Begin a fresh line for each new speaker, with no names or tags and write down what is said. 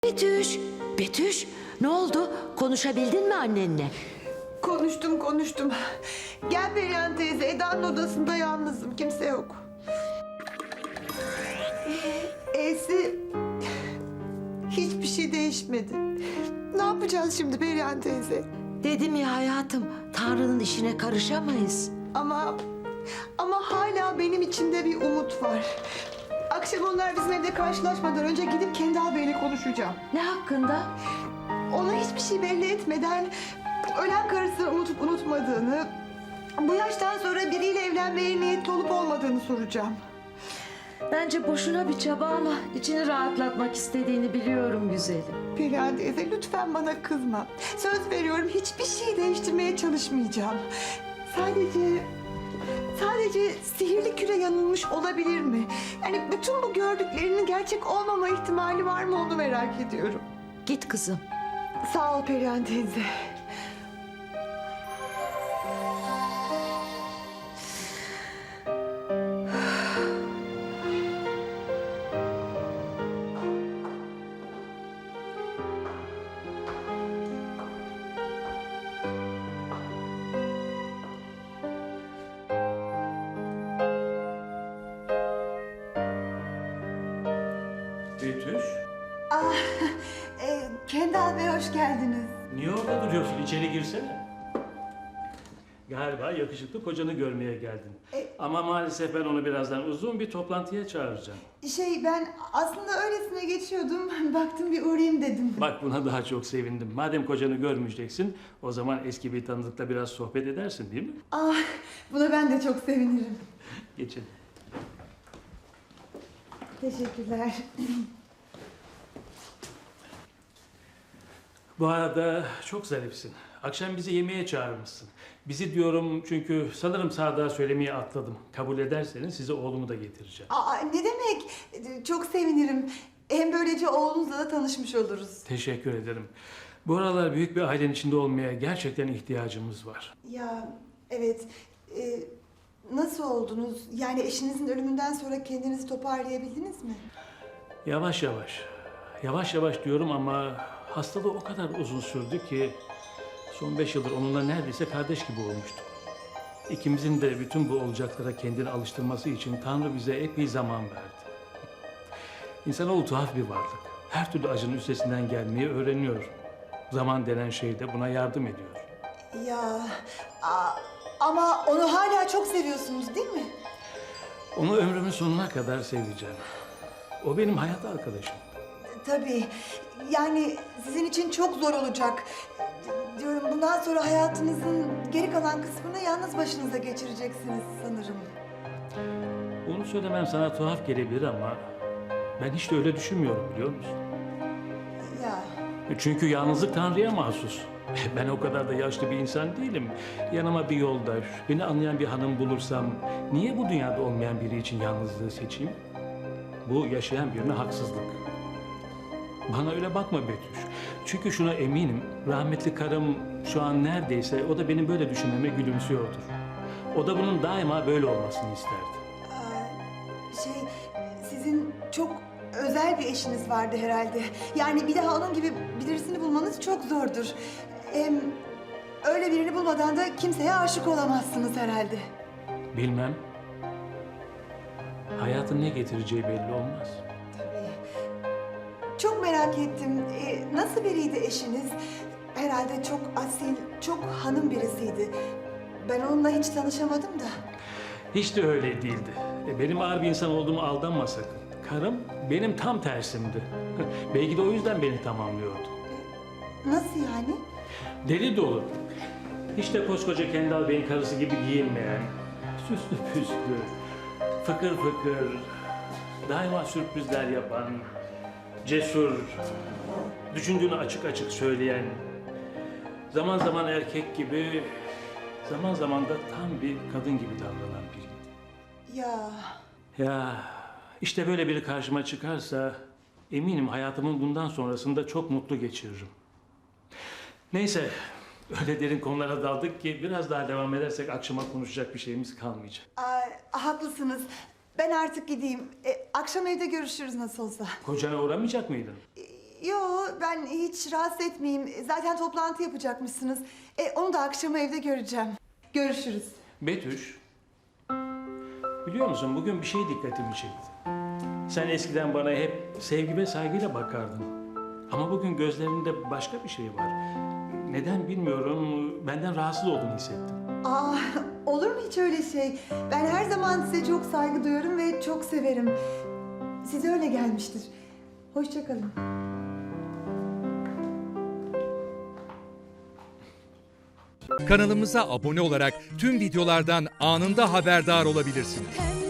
Betüş, Betüş, ne oldu? Konuşabildin mi annenle?
Konuştum. Gel Perihan teyze, Eda'nın odasında yalnızım, kimse yok. E'si hiçbir şey değişmedi. Ne yapacağız şimdi Perihan teyze?
Dedim ya hayatım, Tanrı'nın işine karışamayız.
Ama hala benim içimde bir umut var. Akşam onlar bizim evde karşılaşmadan önce gidip Kendal Bey'le konuşacağım.
Ne hakkında?
Ona hiçbir şey belli etmeden ölen karısını unutup unutmadığını, bu yaştan sonra biriyle evlenmeye niyetli olup olmadığını soracağım.
Bence boşuna bir çaba ama içini rahatlatmak istediğini biliyorum güzelim.
Perihan teyze lütfen bana kızma. Söz veriyorum hiçbir şey değiştirmeye çalışmayacağım. Sadece sihirli küre yanılmış olabilir mi? Yani bütün bu gördüklerinin gerçek olmama ihtimali var mı onu merak ediyorum.
Git kızım.
Sağ ol Perihan teyze.
Betüş,
Kendal Bey hoş geldiniz.
niye orada duruyorsun? İçeri girsene. Galiba yakışıklı kocanı görmeye geldin. Ama maalesef ben onu birazdan uzun bir toplantıya çağıracağım.
Ben aslında öylesine geçiyordum. Baktım bir uğrayayım dedim.
Bak buna daha çok sevindim. Madem kocanı görmeyeceksin, o zaman eski bir tanıdıkla biraz sohbet edersin değil mi?
Buna ben de çok sevinirim.
Geçin.
Teşekkürler.
Bu arada çok zarifsin. Akşam bizi yemeğe çağırmışsın. Bizi diyorum çünkü sanırım Sadık'a söylemeyi atladım. Kabul ederseniz size oğlumu da getireceğim.
Ne demek? Çok sevinirim. Hem böylece oğlunuzla da tanışmış oluruz.
Teşekkür ederim. Bu aralar büyük bir ailenin içinde olmaya gerçekten ihtiyacımız var.
Evet. Nasıl oldunuz? Yani eşinizin ölümünden sonra kendinizi toparlayabildiniz mi?
Yavaş yavaş. Yavaş yavaş diyorum ama hastalığı o kadar uzun sürdü ki son 5 yıldır onunla neredeyse kardeş gibi olmuştuk. İkimizin de bütün bu olacaklara kendini alıştırması için Tanrı bize epey zaman verdi. İnsanoğlu tuhaf bir varlık. Her türlü acının üstesinden gelmeyi öğreniyor. Zaman denen şey de buna yardım ediyor.
Ama onu hala çok seviyorsunuz değil mi?
Onu ömrümün sonuna kadar seveceğim. O benim hayat arkadaşım.
Tabii. Yani sizin için çok zor olacak. Diyorum bundan sonra hayatınızın geri kalan kısmını yalnız başınıza geçireceksiniz sanırım.
Bunu söylemem sana tuhaf gelebilir ama ben hiç de öyle düşünmüyorum biliyor musun? Çünkü yalnızlık Tanrı'ya mahsus. Ben o kadar da yaşlı bir insan değilim. Yanıma bir yoldaş, beni anlayan bir hanım bulursam niye bu dünyada olmayan biri için yalnızlığı seçeyim? Bu yaşayan birine haksızlık. Bana öyle bakma Betüş. Çünkü şuna eminim, rahmetli karım şu an neredeyse o da benim böyle düşünmeme gülümsüyordur. O da bunun daima böyle olmasını isterdi.
Sizin çok özel bir eşiniz vardı herhalde. Yani bir daha onun gibi birisini bulmanız çok zordur. Hem öyle birini bulmadan da kimseye aşık olamazsınız herhalde.
Bilmem. Hayatın ne getireceği belli olmaz.
Tabii. Çok merak ettim. Nasıl biriydi eşiniz? Herhalde çok asil, çok hanım birisiydi. Ben onunla hiç tanışamadım da.
Hiç de öyle değildi. Benim ağır bir insan olduğumu aldanma sakın. Karım benim tam tersimdi. Belki de o yüzden beni tamamlıyordu.
Nasıl yani?
Deli dolu. Hiç de koskoca Kendal Bey'in karısı gibi giyinmeyen, süslü püslü, fıkır fıkır, daima sürprizler yapan, cesur, düşündüğünü açık açık söyleyen, zaman zaman erkek gibi, zaman zaman da tam bir kadın gibi davranan biriydi. Ya işte böyle biri karşıma çıkarsa eminim hayatımın bundan sonrasında çok mutlu geçiririm. Neyse, öyle derin konulara daldık ki biraz daha devam edersek akşama konuşacak bir şeyimiz kalmayacak.
Haklısınız. Ben artık gideyim. Akşam evde görüşürüz nasıl olsa.
Kocana uğramayacak mıydın?
Yo, ben hiç rahatsız etmeyeyim. Zaten toplantı yapacakmışsınız. Onu da akşam evde göreceğim. Görüşürüz.
Betüş, biliyor musun bugün bir şey dikkatimi çekti. Sen eskiden bana hep sevgi ve saygıyla bakardın. Ama bugün gözlerinde başka bir şey var. Neden bilmiyorum, benden rahatsız olduğunu hissettim.
Aa, olur mu hiç öyle şey? Ben her zaman size çok saygı duyuyorum ve çok severim. Size öyle gelmiştir. Hoşça kalın.
Kanalımıza abone olarak tüm videolardan anında haberdar olabilirsiniz.
Pembe